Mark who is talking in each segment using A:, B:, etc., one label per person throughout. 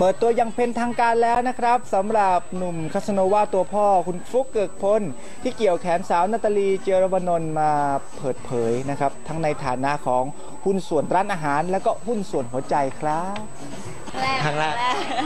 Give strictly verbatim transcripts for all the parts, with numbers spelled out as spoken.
A: เปิดตัวยังเป็นทางการแล้วนะครับสำหรับหนุ่มคาสโนวาตัวพ่อคุณฟลุ๊กเกิกพลที่เกี่ยวแขนสาวนาตาลีเจรวนนท์มาเปิดเผยนะครับทั้งในฐานะของหุ้นส่วนร้านอาหารและก็หุ้นส่วนหัวใจครับ
B: ครั้งแรก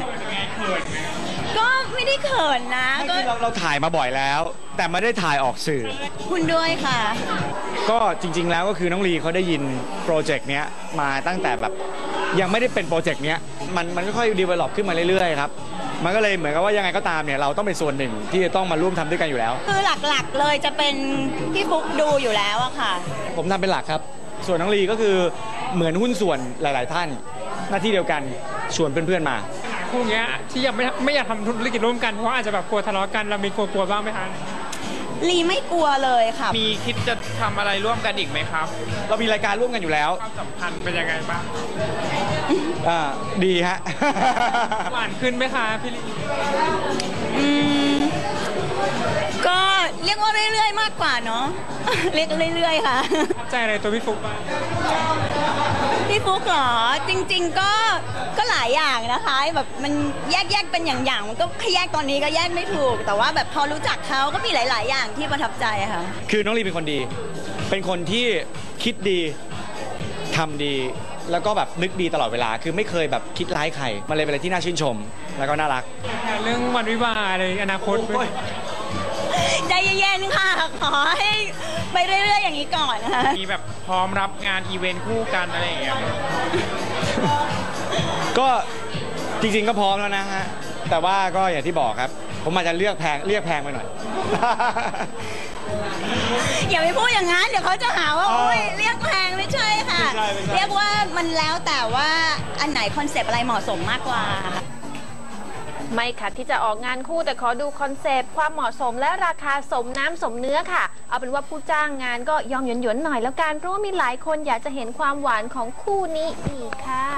B: ก็ไม่ได้เขินนะก็
C: เราเราถ่ายมาบ่อยแล้วแต่ไม่ได้ถ่ายออกสื่อ
B: คุณด้วยค่ะ
C: ก็จริงๆแล้วก็คือน้องลีเขาได้ยินโปรเจกต์เนี้ยมาตั้งแต่แบบยังไม่ได้เป็นโปรเจกต์เนี้ยมันมันค่อยๆดีเวล็อปขึ้นมาเรื่อยๆครับมันก็เลยเหมือนกับว่ายังไงก็ตามเนี่ยเราต้องเป็นส่วนหนึ่งที่จะต้องมาร่วมทำด้วยกันอยู่แล้ว
B: คือหลักๆเลยจะเป็นพี่ฟุ๊กดูอยู่แล้วอะค่ะ
C: ผมทำเป็นหลักครับส่วนน้องลีก็คือเหมือนหุ้นส่วนหลายๆท่านหน้าที่เดียวกันชวนเพื่อนๆมา
D: คู่เงี้ยที่ยังไม่ไม่อยากทำธุรกิจร่วมกันเพราะอาจจะแบบกลัวทะเลาะกันเรามีกลัวๆบ้างไหมคะ
B: ลีไม่กลัวเลยค่ะ
D: มีคิดจะทำอะไรร่วมกันอีกไหมครับ
C: เรามีรายการร่วมกันอยู่แล้ว
D: ความสัมพันธ์เป็นยังไงบ้าง
C: อ่าดีฮะ
D: หวานขึ้นไหมคะพี่ลี
B: อืมก็เรียกว่าเรื่อยๆมากกว่าเนาะเรียกเรื่อยๆค่ะ
D: ใจอะไรตัวพี่ฟุ๊กบ้าง
B: พี่ฟุ๊กเหรอจริงๆก็ก็หลายอย่างนะคะแบบมันแยกแยกเป็นอย่างๆมันก็แยกตอนนี้ก็แยกไม่ถูกแต่ว่าแบบพอรู้จักเขาก็มีหลายๆอย่างที่ประทับใจค่ะ
C: คือน้องลีเป็นคนดีเป็นคนที่คิดดีทำดีแล้วก็แบบนึกดีตลอดเวลาคือไม่เคยแบบคิดร้ายใครมันเลยเป็นอะไรที่น่าชื่นชมแล้วก็น่ารัก
D: เรื่องวันวิวาห์อะไรอนาคต
B: ใจเย็นๆค่ะขอให้ไปเรื่อยๆอย่างนี้ก่อนนะคะ
D: มีแบบพร้อมรับงานอีเวนต์คู่กันอะไรอย่างเงี้ย
C: ก็จริงๆก็พร้อมแล้วนะฮะแต่ว่าก็อย่างที่บอกครับผมอาจจะเลือกแพงเรียกแพงไปหน่อย
B: อย่าไปพูดอย่างนั้นเดี๋ยวเขาจะหาว่าโอ้ยเรียกแพงไม่ใช่ค่ะเรียกว่ามันแล้วแต่ว่าอันไหนคอนเซปต์อะไรเหมาะสมมากกว่า
E: ไม่ขัดที่จะออกงานคู่แต่ขอดูคอนเซปต์ความเหมาะสมและราคาสมน้ำสมเนื้อค่ะเอาเป็นว่าผู้จ้างงานก็ยอมหยวนๆหน่อยแล้วกันเพราะว่ามีหลายคนอยากจะเห็นความหวานของคู่นี้อีกค่ะ